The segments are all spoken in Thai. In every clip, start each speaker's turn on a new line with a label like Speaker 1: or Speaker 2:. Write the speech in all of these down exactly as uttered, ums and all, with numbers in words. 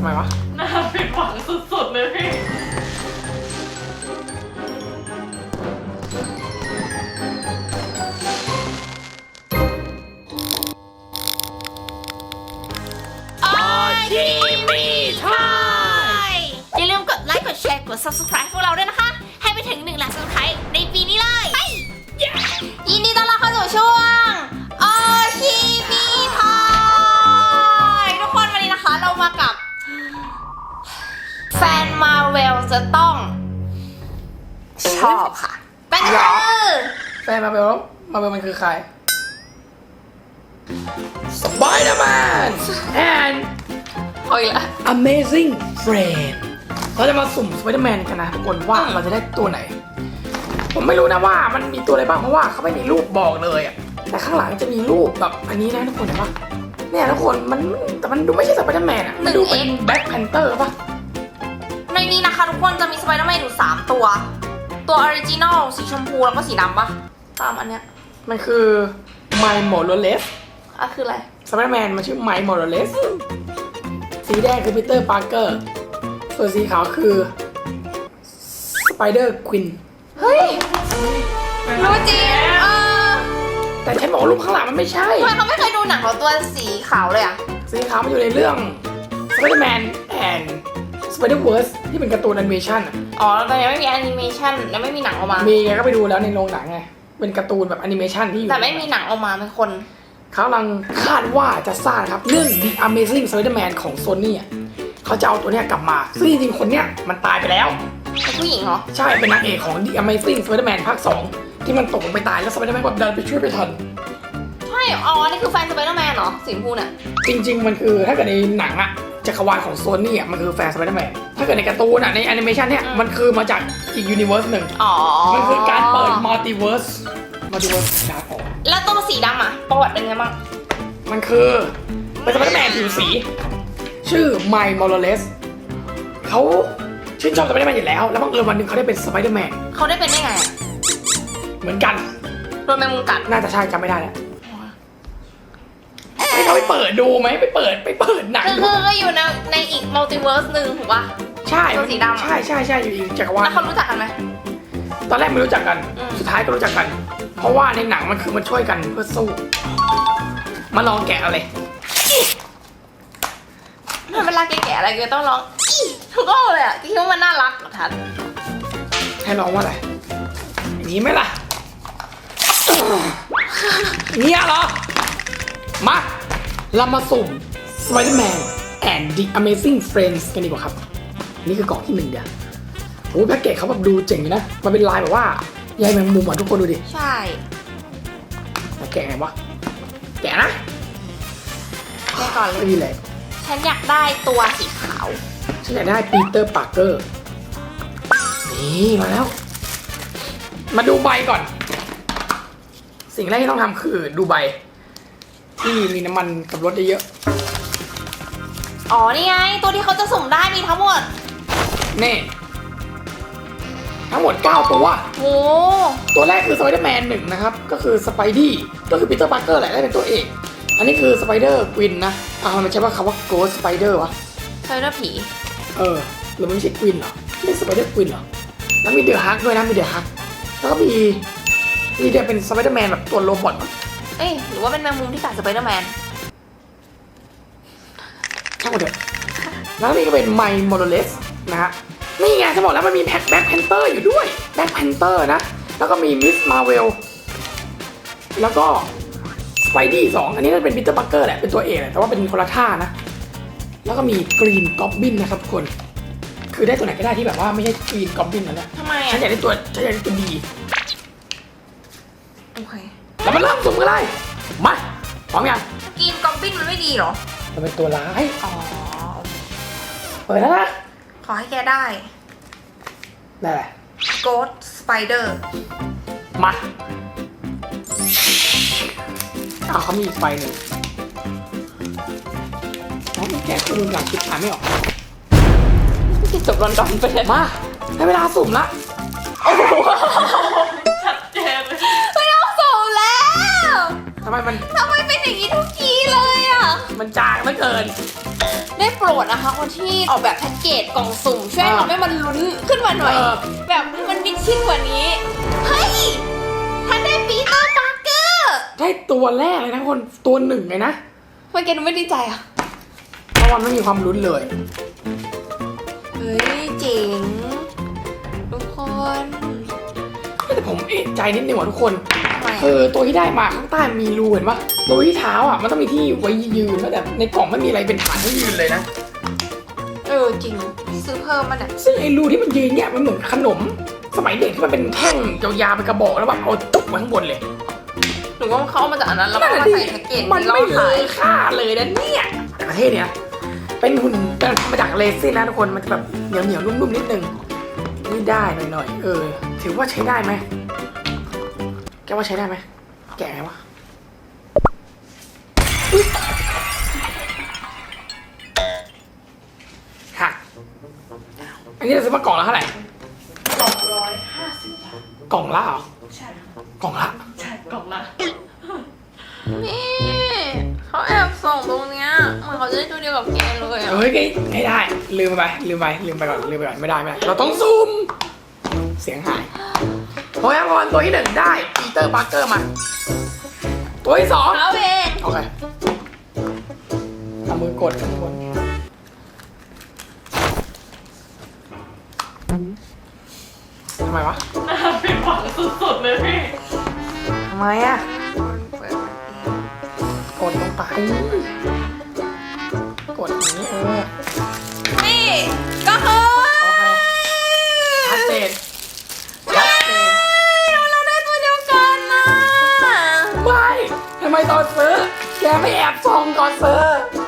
Speaker 1: ไมวะ
Speaker 2: น่าผิดหวังสุดๆเลยพี่
Speaker 3: อย่าลืมกดไลค์กดแชร์กด ซับสไครบ์ พวกเราด้วยนะคะให้ไปถึงหนึ่งล้าน ซับสไครบ์ ในปีนี้เลยยินดีต้อนรับเข้าสู่ช่วงโอชิมิทอยทุกคนวันนี้นะคะเรามากับแฟนมาเวลจะต้องชอบค่ะเป็นคือ
Speaker 1: แฟนมาเบลมาเบลมันคือใคร Spider-Man and
Speaker 3: โอ้ยละ
Speaker 1: Amazing Friend เราจะมาสุ่ม Spider-Man กันนะทุกคนว่าเราจะได้ตัวไหน ผมไม่รู้นะว่ามันมีตัวอะไรบ้างเพราะว่าเขาไม่มีรูปบอกเลยอะแต่ข้างหลังจะมีรูปแบบอันนี้นะทุกคนเห็นปะเนี่ยทุกคนมันแต่มันดูไม่ใช่ Spider-Man อะมันดูเป็น Black Panther ปะ
Speaker 3: ในนี้นะคะทุกคนจะมีสไปเดอร์แมนอยู่สามตัวตัวออริจินอลสีชมพูแล้วก็สีดำปะตามอันเนี้ย
Speaker 1: มันคือ Miles Morales
Speaker 3: อ่ะคืออะไร
Speaker 1: Spider-Man มันชื่อ Miles Morales สีแดงคือ Peter Parker ส่วนสีขาวคือ Spider Queen
Speaker 3: เฮ้ยรู้จริงเออ
Speaker 1: แต่ฉันบอกว่ารูปข้างหลังมันไม่ใช่
Speaker 3: ทำไมเขาไม่เคยดูหนังของตัวสีขาวเลยอ่ะ
Speaker 1: สีขาวมันอยู่ในเรื่อง Spider-Man and Spider-Verse ที่เป็นการ์ตูนแอนิเมชันอะ
Speaker 3: อ๋อแต่ยังไม่มีแอนิเมชันยังไม่มีหนังออกมา
Speaker 1: มีไงก็ไปดูแล้วในโรงหนังไง เป็นการ์ตูนแบบแอนิเมชันที่อยู่
Speaker 3: แต่ไม่มีหนังออกมาเป็นคน
Speaker 1: เขากำลังคาดว่าจะสร้างครับเรื่อง The Amazing Spider-Man ของ Sony อ่ะเขาจะเอาตัวเนี้ยกลับมาซึ่งจริงๆคนเนี้ยมันตายไปแล้ว
Speaker 3: เป็นผู้หญิงเหรอ
Speaker 1: ใช่เป็นนางเอกของ The Amazing Spider-Man ภาคสองที่มันตกลงไปตายแล้ว Spider-Man แบบดันไปช่วยไปทัน
Speaker 3: ใช่อ๋อนี่คือแฟนสไปเดอร์แมนเหรอสีชมพูเนี่ย
Speaker 1: จริงๆมันคือถ้าเกิดในหนังอะจักรวาลของโซนี่อะมันคือแฟนสไปเดอร์แมนถ้าเกิดในการ์ตูนอะในแอนิเมชันเนี่ยมันคือมาจากอีกยูนิเวอร์สหนึ่ง
Speaker 3: อ๋อ
Speaker 1: มันคือการเปิดมัลติเวิร์สมัลติเวิร์สดาร์กออก
Speaker 3: แล้วตัวสีดำอ่ะประวัติเป็นไงบ้าง
Speaker 1: มันคือเป็นสไปเดอร์แมนผิวสี ชื่อไมล์มอร์เลสเขาชื่นชอบสไปเดอร์แมนอยู่แล้วแล้วบังเอิญวันหนึ่งเขาได้เป็นสไปเดอร์แมน
Speaker 3: เขาได้เป็นได้ไงอะ
Speaker 1: เหมือนกัน
Speaker 3: โดนแมงมุมกัด
Speaker 1: น่าจะใช่จำไม่ได้แล้วให้เขาไปเปิดดูไหมไปเปิดไปเปิดหนัง
Speaker 3: คือ
Speaker 1: ดู
Speaker 3: คือก็อยู่ในในอีกมัลติเวิร์สหนึ่งถูกปะ
Speaker 1: ใช่
Speaker 3: ตัวสีดำอะ
Speaker 1: ใช่ใช่ใช่อยู่อีกจักรวาล
Speaker 3: แล้วเขารู้จักกันไหม
Speaker 1: ตอนแรกไม่รู้จักกัน
Speaker 3: อืม
Speaker 1: สุดท้ายก็รู้จักกัน เพราะว่าในหนังมันคือมันช่วยกันเพื่อสู้ มาลองแกะเอาเลย
Speaker 3: เวลาแกะอะไรแกต้องร้องอีทุกข้อเลยอ่ะคิดว่ามันน่ารักเหรอทัน
Speaker 1: ให้ลองว่าอะไรอย่างนี้ไหมล่ะเนี่ยเหรอ มา เรามาสุ่ม Spider-Man and the Amazing Friends กันดีกว่าครับ นี่คือกล่องที่หนึ่งเดียวโอ้แพ็กเกจเขาแบบดูเจ๋งอยู่นะ มันเป็นลายแบบว่าใยแมงมุมอ่ะทุกคนดูดิ
Speaker 3: ใช่
Speaker 1: แต่แกะไงวะ แกะนะ
Speaker 3: แกะก่อนเล
Speaker 1: ไม่
Speaker 3: ย
Speaker 1: มีเลย
Speaker 3: ฉันอยากได้ตัวสีขาว
Speaker 1: ฉันอยากได้ปีเตอร์ปาร์เกอร์นี่มาแล้ว มาดูใบก่อน สิ่งแรกที่ต้องทำคือดูใบ ที่มีน้ำมันกับรถเยอะ
Speaker 3: อ๋อนี่ไงตัวที่เขาจะสุ่มได้มีทั้งหมด
Speaker 1: ๆนี่ ทั้งหมดเก้าตัว
Speaker 3: โอ้
Speaker 1: ตัวแรกคือสไปเดอร์แมนหนึ่งนะครับ ก็คือสไปดี้ก็คือปีเตอร์ปาร์เกอร์แหละได้เป็นตัวเอก อันนี้คือสไปเดอร์กวินนะอ่ามันใช่ว่าคำว่าโกสสไปเดอร์วะ
Speaker 3: ใช่แล้วผี
Speaker 1: เออหรือมันไม่ใช่กวินเหรอไม่สไปเดอร์กวินเหรอ แล้วมีเดอะฮักด้วยนะมีเดอะฮักแล้วก็มีนี่จะเป็นสไปเดอร์แมนแบบตัวโรบอทมั้ง
Speaker 3: เอ้ยหรือว่าเป็นแมงมุมที่กัดสไปเดอร์แมน
Speaker 1: ช่างมันเถอะแล้วนี่ก็เป็นไมล์มอร์เลสนะฮะนี่ไงจะบอกแล้วมันมีแพ็คแบ็คแพนเตอร์อยู่ด้วยแบ็คแพนเตอร์นะแล้วก็มีมิสมาเวลแล้วก็สไปดี้สองอันนี้น่าจะเป็นปีเตอร์ปาร์เกอร์แหละเป็นตัวเอกแหละแต่ว่าเป็นคนละท่านะแล้วก็มีกรีนก็อบบินนะครับทุกคนคือได้ตัวไหนก็ได้ที่แบบว่าไม่ใช่กรีนก็อบบินนั่นแหละ
Speaker 3: ทำไม
Speaker 1: ฉั
Speaker 3: อ่ะ
Speaker 1: นอยากได้ตัวฉันอยากได้ตัวดี
Speaker 3: โอเค
Speaker 1: แล้วมาเริ่มสุ่มกันเลยมาพร้อมยัง
Speaker 3: กินกอบบินมันไม่ดีเหรอ
Speaker 1: มันเป็นตัวร้าย
Speaker 3: อ๋อ
Speaker 1: เปิดแล้วนะ
Speaker 3: ขอให้แกได้
Speaker 1: ได้แหละ
Speaker 3: Ghost Spider
Speaker 1: มาเอาเขามีอีกใบหนึ่งน้องแกะตัวหลังคิดอ่านไม่ออก
Speaker 3: ที่จบลอนดอนไปเลย
Speaker 1: มาได้เวลาสุ่มละ
Speaker 3: โอ้โห
Speaker 2: ชัดเจนเลย
Speaker 3: ไม่ต้องสุ่มแล้ว
Speaker 1: ทำไมมัน
Speaker 3: ทำไมเป็นอย่างนี้ทุกทีเลยอ่ะ
Speaker 1: มันจางเหลือเกิน
Speaker 3: ได้โปรดนะคะคนที่ออกแบบแพ็กเกจกล่องสุ่มช่วยทำให้มันลุ้นขึ้นมาหน่อย
Speaker 1: เออ
Speaker 3: แบบให้มันมิดชิดกว่านี้ เฮ้ยท่านได้ปีเตอร์ปาร์เกอร์
Speaker 1: ได้ตัวแรกเลยนะคนตัวหนึ่งเลยนะ
Speaker 3: ทำไมแกดูไม่ดีใจอ่ะ
Speaker 1: เพราะมันไม่มีความลุ้นเลย
Speaker 3: เฮ้ยเจ๋งทุกคน
Speaker 1: แต่ผมเอะใจนิดนึงว่ะทุกคน
Speaker 3: ทำไม
Speaker 1: เออตัวที่ได้มาข้างใต้มีรูเห็นปะรูที่เท้าอ่ะมันต้องมีที่ไว้ยืนแล้วแต่ในกล่องไม่มีอะไรเป็นฐานให้ยืนเลยนะ
Speaker 3: เออจริงซื้อเพิ่มมันอ่ะ
Speaker 1: ซึ่งไอ้รูที่มันยืนเนี่ยมันเหมือนขนม สมัยเด็กที่มันเป็นแท่งยาวๆเป็นกระบอกแล้วแบบเอาตุ๊บมาข้างบนเลย
Speaker 3: หรือว่าเขาเอามาจากอันนั้นแล้วก็
Speaker 1: นั่น
Speaker 3: มา
Speaker 1: น่ะดิ
Speaker 3: ใส่แพ็กเกจ
Speaker 1: มัน
Speaker 3: ที่เรา
Speaker 1: ไม่เล
Speaker 3: ขาย
Speaker 1: ยค่าเลยนะเนี่ยแต่ประเทศเนี้ยเป็นหุ่นเป็นมาจากเลซินนะทุกคนมันจะแบบเหนียวเหนียวๆนุ่มๆนิดนึงนี่ได้หน่อยๆเออถือว่าใช้ได้ไหมแกว่าใช้ได้ไหมแกะไงวะอุ๊ยหักอันนี้เราซื้อมากล่องละเท่าไหร่
Speaker 2: สองร้อยห้าสิบบาท
Speaker 1: กล่องละเหรอ
Speaker 2: ใช่ค่ะ
Speaker 1: กล่องละ
Speaker 2: ใช่กล่องละ
Speaker 3: นี่เขาแอบส่งตรงเนี้ยเหมือนเขาจะได้ตัวเดียวกับแกเลยอ่ะ
Speaker 1: เฮ้ยไม่ได้ลืมไปลืมไปลืมไปก่อนลืมไปก่อนไม่ได้ไม่ได้เราต้องซูมเสียงหายโอ้ยพรตัวที่หนึ่งได้ปีเตอร์ปาร์เกอร์มาตัวที่สอง
Speaker 3: เอาเอง
Speaker 1: โอเคเอามือกดข้างบนทำไมวะ
Speaker 2: น่าผิดหวังสุดๆเลยพี่
Speaker 1: ทำไมอ่ะกดลงไปกดอย่างนี้เออ
Speaker 3: นี่ก็คือ
Speaker 1: โอเคชัดเจนชัดเจน
Speaker 3: เราได้ตัวเดียวกันนะ
Speaker 1: ไม่ทำไมตอนซื้อแกไม่แอบส่องก่อนซื้อ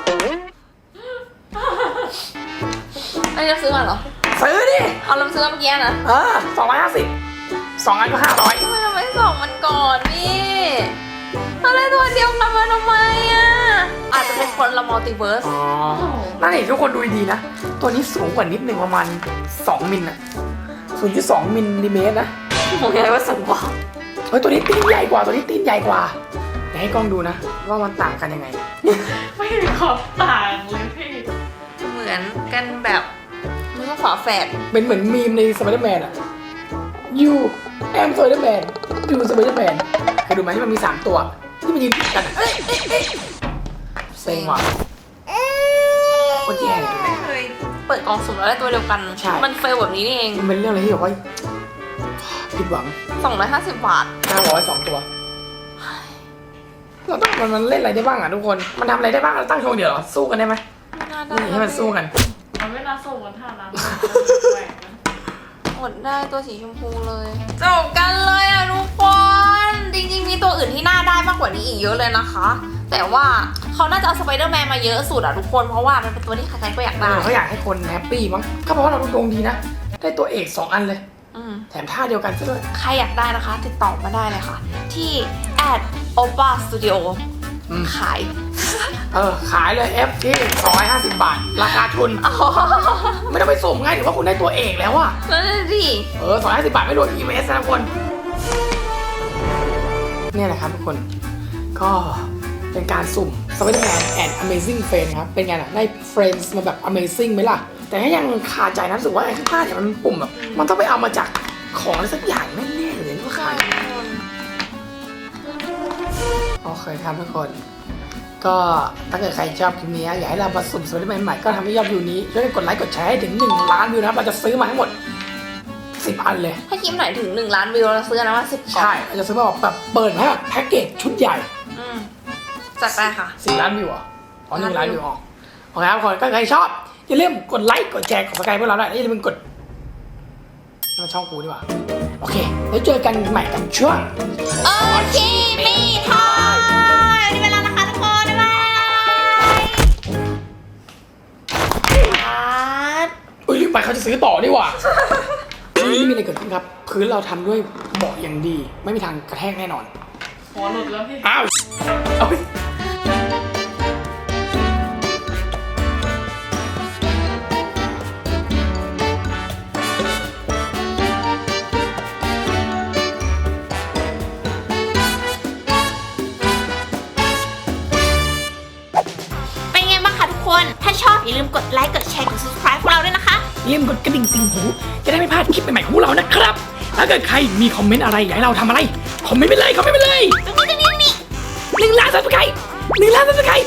Speaker 3: อันนี้เราซื้อมาเหรอ
Speaker 1: ซื้อดิ
Speaker 3: เอาเราซื้อมาเมื่อกี้นะ
Speaker 1: เออสองร้อยห้าสิบสองอันก็ห้าร้อย
Speaker 3: ทำไมเราไม่ส่งมันก่อนพี่เราได้ตัวเดียวกันมาทำไมอ่ะอาจจะเป็นคนละมัลติเวิร์ส
Speaker 1: อ๋อนั่นเองทุกคนดูดีๆนะ ตัวนี้สูงกว่านิดนึงประมาณสองมิลอะศูนย์จุดสองมิลลิเมตรนะ
Speaker 3: ผมอยากว่าสูงกว่า
Speaker 1: เฮ้ยตัวนี้ตีนใหญ่กว่าตัวนี้ตีนใหญ่กว่าเดี๋ยวให้กล้องดูนะ ว่ามันต่างกันยังไง
Speaker 2: ไม่มีความต่างเลยพี่
Speaker 3: เหมือนกันแบบมันก็ฝาแฝด
Speaker 1: เป็นเหมือนมีมในสไปเดอร์แมนอะยูแอมสไปเดอร์แมนยูสไปเดอร์แมนเคยดูไหมที่มันมีสามตัว ที่มันยืนติดกันอะเอ้ยเอ้ยเอ้ยเซ็งว่ะโคตรแย่เลย
Speaker 3: ไม่เคยเปิดกล่องสุ่มแล้วได้ตัวเดียวกัน
Speaker 1: ใช่
Speaker 3: มันเฟลแบบนี้นี่เอง
Speaker 1: มันเป็นเรื่องอะไรที่แบบว่าผิดหวัง
Speaker 3: สองร้อยห้าสิบบาท
Speaker 1: ห้าร้อยสองตัวเราต้องมันมันเล่นอะไรได้บ้างอ่ะทุกคน มันทำอะไรได้บ้างเราตั้งโชว์เดี๋ยวเหรอสู้กันได้ไหม
Speaker 3: น่าได้
Speaker 1: นี่ให้มันสู้กัน
Speaker 2: มันไม่น่าส่งกันท่าน้ำแหวกนะ
Speaker 3: หมดได้ตัวสีชมพูเลยจบกันเลยอ่ะทุกคน จริงๆมีตัวอื่นที่น่าได้มากกว่านี้อีกเยอะเลยนะคะ แต่ว่าเขาน่าจะเอาสไปเดอร์แมนมาเยอะสุดอ่ะทุกคน เพราะว่ามันเป็นตัวที่ใครๆก็อยาก
Speaker 1: เอ
Speaker 3: ได้
Speaker 1: อเขาอยากให้คนแฮปปี้มั้งก็เพราะว่าเราดวงดีนะ ได้ตัวเอกสองอันเลย
Speaker 3: อืม
Speaker 1: แถมท่าเดียวกันซะด้วย
Speaker 3: ใครอยากได้นะคะ ติดต่อมาได้เลยค่ะ ที่ at opa studio
Speaker 1: อืม
Speaker 3: ขาย
Speaker 1: เออ ขายเลย F ที่สองร้อยห้าสิบบาท ราคาทุน ไม่ต้องไปส่งง่ายถือว่าคุณได้ตัวเอกแล้วอะ
Speaker 3: นั่นนะดิ
Speaker 1: เออสองร้อยห้าสิบบาทไม่รวม อี เอ็ม เอส นะทุกคน เนี่ยแหละครับทุกคน ก็เป็นการสุ่ม Spider-Man and Amazing Friends ครับ เป็นไงล่ะ ได้ Friends มาแบบ Amazing ไหมล่ะ แต่ถ้ายังคาใจนะรู้สึกว่าไอ้ข้างใต้เนี่ยมันปุ่มแบบ มันต้องไปเอามาจากของอะไรสักอย่างแน่ๆเลยว่าใครโอเคครับทุกคน ก็ถ้าเกิดใครชอบคลิปนี้อยากให้เรามาสุ่ม Spider-Man ใหม่ก็ทำให้ยอดวิวนี้ช่วยกันกดไลค์กดแชร์ให้ถึงหนึ่งล้านวิวนะครับเราจะซื้อมาทั้งหมดสิบอันเลย
Speaker 3: ถ้าคลิปไหนถึงหนึ่งล้านวิวเราซื้อนะว่าสิบกล่อง
Speaker 1: ใช่เราจะซื้อมาแบบเปิดให้แบบแพ็กเกจชุดใหญ่
Speaker 3: อืมจัดไปค่ะ
Speaker 1: สี่ล้านวิวเหรออ๋อหนึ่งล้านวิวอ๋อโอเคครับทุกคนก็ใครชอบอย่าลืมกดไลค์กดแชร์กดสกายพวกเราด้วยอย่าลืมกดนี่มันช่องกูดีกว่าโอเคแล้วเจอกันใหม่กับช่วง
Speaker 3: โอเคมีทอยวันนี้เวลานะคะทุกคนบ๊ายบาย
Speaker 1: อุ้ยลืมไปเขาจะซื้อต่อนี่หว่า นี่ไม่มีอะไรเกิดขึ้นครับพื้นเราทำด้วยเบาะอย่างดี ไม่มีทางกระแทกแน่นอน
Speaker 2: หัวหลุดแล้วพี่
Speaker 1: อ้าวเอาไป
Speaker 3: อย่าลืมกดไลค์กดแชร์กด subscribe พวกเราด้วยนะคะ
Speaker 1: อย่าลืมกดกระดิ่งติ่งหูจะได้ไม่พลาดคลิปใหม่ๆของพวกเรานะครับถ้าเกิดใครมีคอมเมนต์อะไรอยากให้เราทำอะไรคอมเมนต์ไปเลยคอมเมนต์ไปเลย
Speaker 3: ตรงนี้ตรงนี้ตรงนี้
Speaker 1: หนึ่งล้านซับสไครต์หนึ่งล้านซับสไครต์